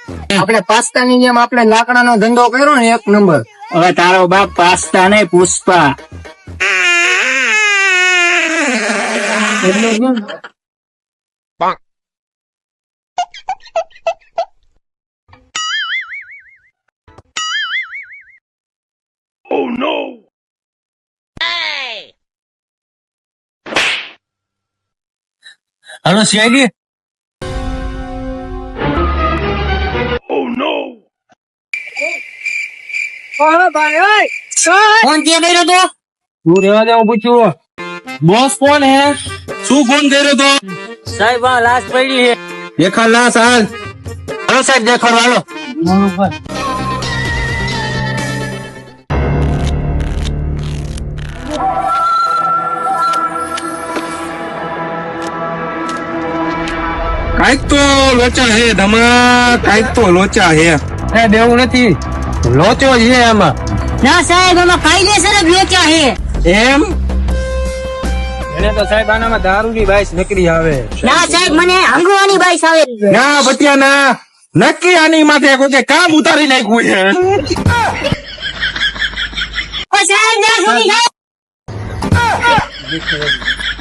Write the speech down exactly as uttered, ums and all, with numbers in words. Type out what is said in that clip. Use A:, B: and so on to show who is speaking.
A: આપણે પાસ્તાની જેમ આપણે લાકડાનો ધંધો કર્યો ને એક નંબર.
B: હવે તારો બાપ પાસ્તા ને પુષ્પા.
A: એટલે કેમ?
C: હાલો સીઆઈડી.
B: ફોન ક્યાં કર્યો તો?
A: તું રેવા દે, હું પૂછ્યું.
C: બોસ કોણ હે? શું ફોન કર્યો તો?
B: સાહેબ આ લાશ પડી છે.
C: દેખા લાશ હાલ.
B: હાલો સાહેબ દેખાડો હાલો.
C: કાંઈક તો લોચા હે ધમા, કાંઈક તો લોચા હે.
A: સાહેબ એવું નથી, લોચો છે આમાં.
B: ના સાહેબ આમાં કાયદેસર જ લોચા છે.
C: એમ?
A: એને તો સાહેબ આનામાં દારૂની બાઈસ નીકળી આવે.
B: ના સાહેબ મને હંગવાની બાઈસ આવે.
C: ના બટિયા ના, નક્કી આની માથે કોઈ કામ ઉતારી નાખ્યું છે.
B: ઓ સાહેબ ના છોડી સાહેબ.